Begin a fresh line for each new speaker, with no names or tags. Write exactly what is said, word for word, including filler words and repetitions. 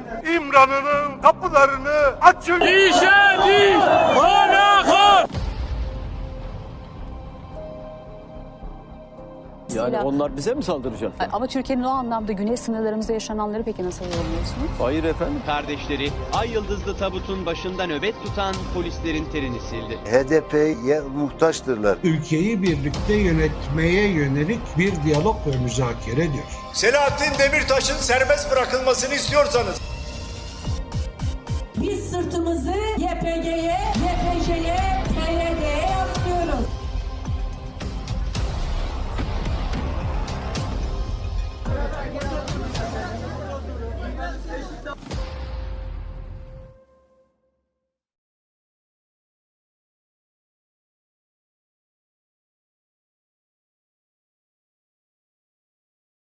İmran'ın kapılarını açın.
İşe diş, kana kan.
Yani onlar bize mi saldıracak?
Ama Türkiye'nin o anlamda güney sınırlarımızda yaşananları peki nasıl yorumluyorsunuz?
Hayır efendim.
Kardeşleri Ay Yıldızlı tabutun başında nöbet tutan polislerin terini sildi.
H D P'ye muhtaçtırlar.
Ülkeyi birlikte yönetmeye yönelik bir diyalog ve müzakeredir.
Selahattin Demirtaş'ın serbest bırakılmasını istiyorsanız
biz sırtımızı Y P G'ye, Y P J'ye, P Y